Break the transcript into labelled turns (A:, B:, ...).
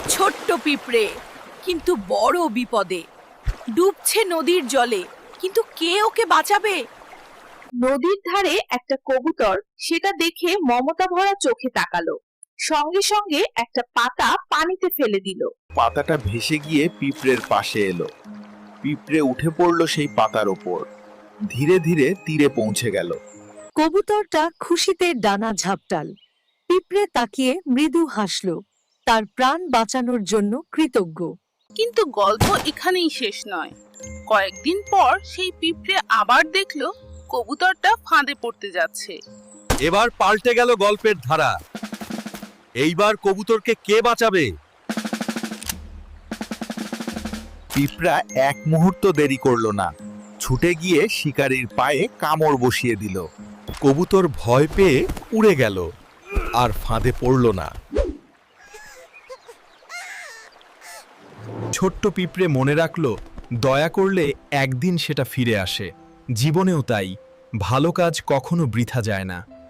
A: ছোট্ট পিঁপড়ে, কিন্তু বড় বিপদে। ডুবছে নদীর জলে, কিন্তু কে ওকে বাঁচাবে?
B: নদীর ধারে একটা কবুতর সেটা দেখে মমতা ভরা চোখে তাকালো। সঙ্গে সঙ্গে একটা পাতা পানিতে ফেলে দিল।
C: পাতাটা ভেসে গিয়ে পিঁপড়ের পাশে এলো। পিঁপড়ে উঠে পড়লো সেই পাতার ওপর। ধীরে ধীরে তীরে পৌঁছে গেল।
D: কবুতরটা খুশিতে ডানা ঝাপটাল। পিঁপড়ে তাকিয়ে মৃদু হাসল, তার প্রাণ বাঁচানোর জন্য কৃতজ্ঞ।
E: কিন্তু গল্প এখানেই শেষ নয়। কয়েকদিন পর সেই পিঁপড়ে আবার দেখলো কবুতরটা ফাঁদে পড়তে যাচ্ছে।
F: এবার পাল্টে গেল গল্পের ধারা। এইবার কবুতরকে কে বাঁচাবে?
C: পিঁপড়া এক মুহূর্ত দেরি করলো না, ছুটে গিয়ে শিকারীর পায়ে কামড় বসিয়ে দিল।
F: কবুতর ভয় পেয়ে উড়ে গেল, আর ফাঁদে পড়ল না। ছোট্ট পিঁপড়ে মনে রাখল, দয়া করলে একদিন সেটা ফিরে আসে। জীবনেও তাই, ভালো কাজ কখনো বৃথা যায় না।